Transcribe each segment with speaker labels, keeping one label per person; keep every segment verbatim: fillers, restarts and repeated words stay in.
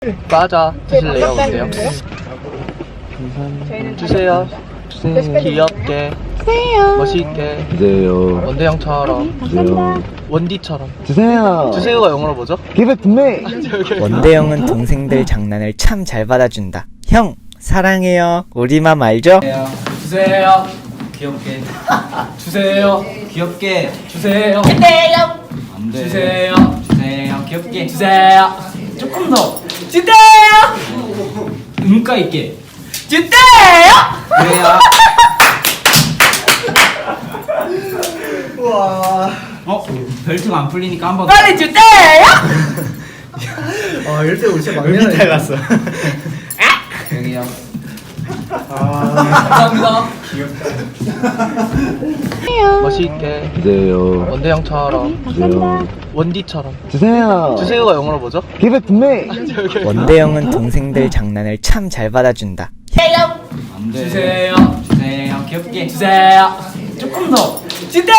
Speaker 1: 과자 드실래요? 어때요? 주세요. 귀엽게, 멋있게,
Speaker 2: 주세요.
Speaker 1: 원대형처럼,
Speaker 2: 주세요.
Speaker 1: 원디처럼.
Speaker 2: 주세요.
Speaker 1: 주세요가 영어로 뭐죠?
Speaker 2: Give it to me.
Speaker 3: 원대형은 동생들 장난을 참 잘 받아준다. 형 사랑해요. 우리맘 알죠?
Speaker 1: 주세요. 귀엽게. 주세요.
Speaker 4: 귀엽게
Speaker 1: 주세요.
Speaker 4: 안돼
Speaker 1: 주세요.
Speaker 4: 주세요 귀엽게
Speaker 1: 주세요.
Speaker 4: 조금 더
Speaker 1: 주세요.
Speaker 4: 음가 있게
Speaker 1: 주세요.
Speaker 4: 그래야
Speaker 1: 와.
Speaker 4: 어? 벨트가 안 풀리니까 한번
Speaker 1: 빨리 주세요.
Speaker 2: 아, 이럴 때 우리 진짜 막내가 달랐어.
Speaker 4: 여기요
Speaker 1: 감사합니다. 멋있게,
Speaker 2: 주세요.
Speaker 1: 원대형처럼,
Speaker 2: 주세요.
Speaker 1: 원디처럼.
Speaker 2: 주세요.
Speaker 1: 주세요가 영어로 뭐죠?
Speaker 2: Give it to me.
Speaker 3: 원대형은 동생들 장난을 참 잘 받아준다.
Speaker 4: 안돼
Speaker 1: 주세요.
Speaker 4: 주세요 귀엽게
Speaker 1: 주세요.
Speaker 4: 조금 더
Speaker 1: 주세요.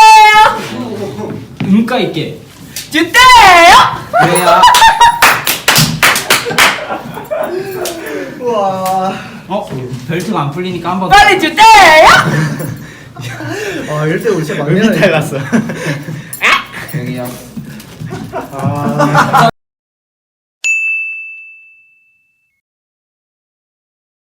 Speaker 4: 음가 있게
Speaker 1: 주세요.
Speaker 4: 그래야
Speaker 1: 와.
Speaker 4: 어? 벨트가 안 풀리니까 한번
Speaker 1: 빨리 주세요.
Speaker 2: 아, 이럴 때 우리 진짜 막내가 달랐어.
Speaker 4: 여기요
Speaker 1: 감사합니다.